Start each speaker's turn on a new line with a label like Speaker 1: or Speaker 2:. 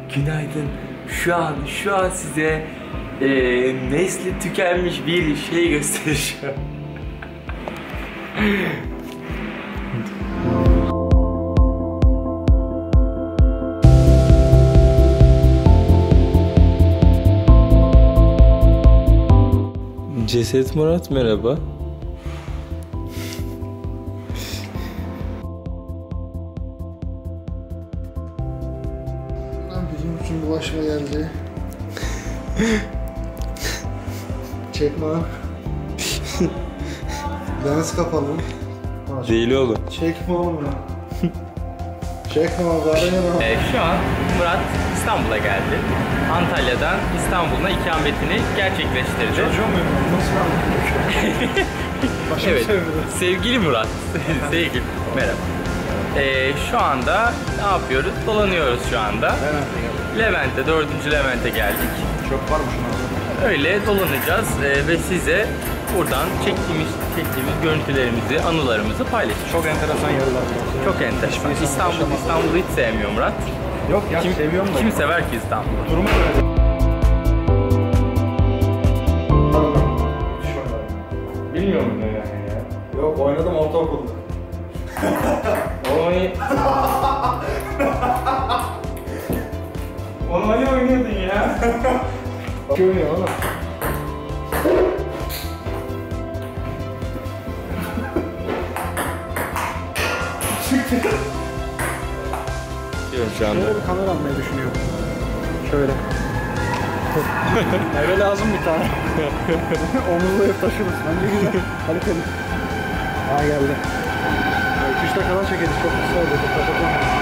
Speaker 1: Günaydın. Şu an size nesli tükenmiş bir şey göstereceğim. Ceset Murat merhaba.
Speaker 2: Bizim için bulaşma geldi. Çekme. Lens kapalı.
Speaker 1: Değil oğlum.
Speaker 2: Çekme oğlum ya. Çekme bari ya.
Speaker 1: Şu an Murat İstanbul'a geldi. Antalya'dan İstanbul'a ikametini gerçekleştirdi.
Speaker 2: Çocuğum benim. Nasıl anlatıyorsun?
Speaker 1: Evet. Sevgili Murat. Sevgili. Merhaba. Şu anda ne yapıyoruz? Dolanıyoruz şu anda. Levent'e, 4. Levent'e geldik.
Speaker 2: Çok varmış ona.
Speaker 1: Öyle dolanacağız ve size buradan çektiğimiz görüntülerimizi, anılarımızı paylaşacağız.
Speaker 2: Çok enteresan yerler.
Speaker 1: Çok enteresan. İstanbul'u hiç sevmiyor Murat.
Speaker 2: Yok ya, seviyorum da.
Speaker 1: Kim sever ki İstanbul'u?
Speaker 2: Durumu öyle.
Speaker 1: Bilmiyor musun yani ya?
Speaker 2: Yok, oynadım ortaokulda.
Speaker 1: Onu hani oynuyordun ya?
Speaker 2: Görmüyor oğlum.
Speaker 1: Diyorum şu anda.
Speaker 2: Şöyle bir kamera almayı düşünüyorum. Şöyle. Eve lazım bir tane. Omuzla hep taşırız. Bence güzel. Kaliteli. Geldi. 2-3 dakikadan çekeriz. Çok kısa oldu. Kapatalım.